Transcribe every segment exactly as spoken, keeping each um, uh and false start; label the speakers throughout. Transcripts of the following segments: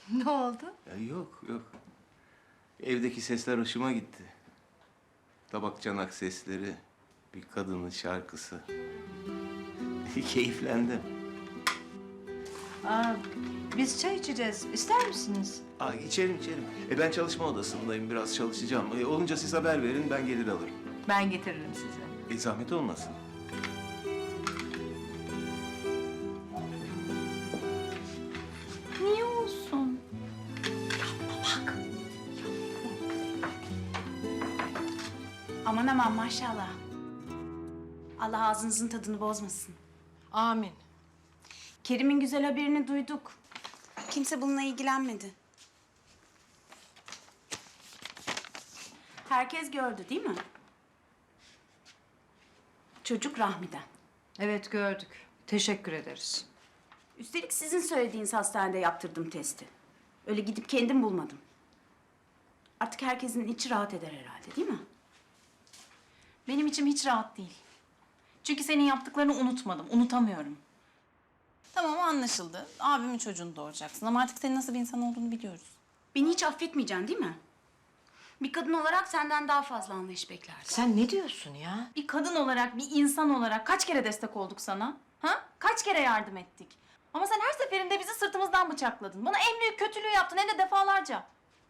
Speaker 1: Ne oldu?
Speaker 2: Ya yok yok. Evdeki sesler hoşuma gitti. Tabak çanak sesleri, bir kadının şarkısı. Keyiflendim.
Speaker 1: Aa, biz çay içeceğiz. İster misiniz?
Speaker 2: Aa, içerim içerim. E ben çalışma odasındayım, biraz çalışacağım. E, olunca siz haber verin, ben gelir alırım.
Speaker 1: Ben getiririm size.
Speaker 2: E zahmet olmasın.
Speaker 3: Niye olsun? Aman aman maşallah. Allah ağzınızın tadını bozmasın.
Speaker 1: Amin.
Speaker 3: Kerim'in güzel haberini duyduk. Kimse bununla ilgilenmedi. Herkes gördü değil mi? Çocuk Rahmi'den.
Speaker 1: Evet gördük. Teşekkür ederiz.
Speaker 3: Üstelik sizin söylediğiniz hastanede yaptırdım testi. Öyle gidip kendim bulmadım. Artık herkesin içi rahat eder herhalde değil mi?
Speaker 4: Benim içim hiç rahat değil. Çünkü senin yaptıklarını unutmadım, unutamıyorum. Tamam anlaşıldı. Abimin çocuğunu doğuracaksın ama artık senin nasıl bir insan olduğunu biliyoruz.
Speaker 3: Beni hiç affetmeyeceksin değil mi? Bir kadın olarak senden daha fazla anlayış beklerdim.
Speaker 1: Sen ne diyorsun ya?
Speaker 4: Bir kadın olarak, bir insan olarak kaç kere destek olduk sana? Ha? Kaç kere yardım ettik? Ama sen her seferinde bizi sırtımızdan bıçakladın. Bana en büyük kötülüğü yaptın hem de defalarca.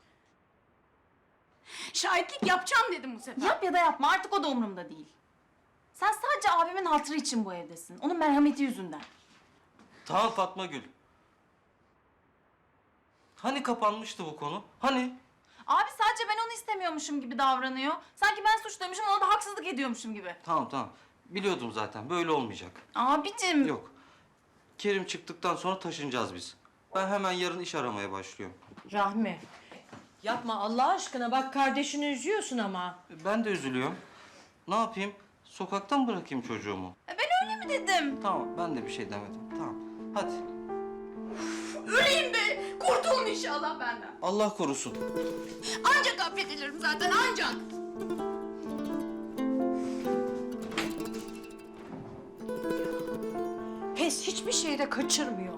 Speaker 3: Şahitlik yapacağım dedim bu sefer.
Speaker 4: Yap ya da yapma artık o da umurumda değil. Sen sadece abimin hatırı için bu evdesin. Onun merhameti yüzünden.
Speaker 5: Tamam Fatma Gül. Hani kapanmıştı bu konu? Hani?
Speaker 4: Abi sadece ben onu istemiyormuşum gibi davranıyor. Sanki ben suçluymuşum, ona da haksızlık ediyormuşum gibi.
Speaker 5: Tamam tamam. Biliyordum zaten. Böyle olmayacak.
Speaker 4: Abicim.
Speaker 5: Yok. Kerim çıktıktan sonra taşınacağız biz. Ben hemen yarın iş aramaya başlıyorum.
Speaker 1: Rahmi. Yapma Allah aşkına. Bak kardeşini üzüyorsun ama.
Speaker 5: Ben de üzülüyorum. Ne yapayım? Sokaktan mı bırakayım çocuğumu?
Speaker 4: E ben öyle mi dedim?
Speaker 5: Tamam, ben de bir şey demedim. Tamam. Hadi.
Speaker 3: Öleyim de kurtulun inşallah benden.
Speaker 5: Allah korusun.
Speaker 3: Ancak affedilirim zaten ancak.
Speaker 1: Pes hiçbir şeyde kaçırmıyor.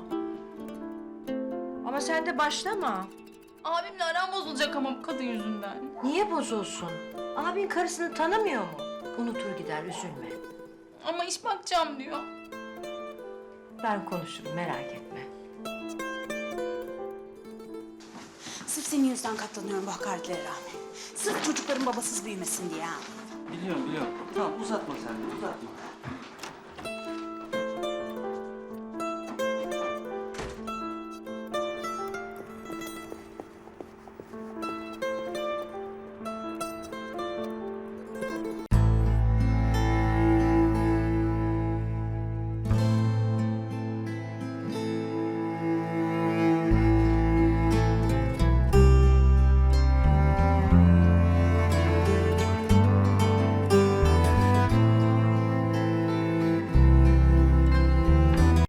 Speaker 1: Ama sen de başlama.
Speaker 4: Abimle aram bozulacak ama bu kadın yüzünden.
Speaker 1: Niye bozulsun? Abin karısını tanımıyor mu? Unutur gider, üzülme.
Speaker 4: Ama iş bakacağım diyor.
Speaker 1: Ben konuşurum, merak etme.
Speaker 3: Sırf senin yüzünden katlanıyorum bu hakaretlere Rahmi. Sırf çocukların babasız büyümesin diye ha.
Speaker 5: Biliyorum, biliyorum. Tamam, uzatma sen de, uzatma.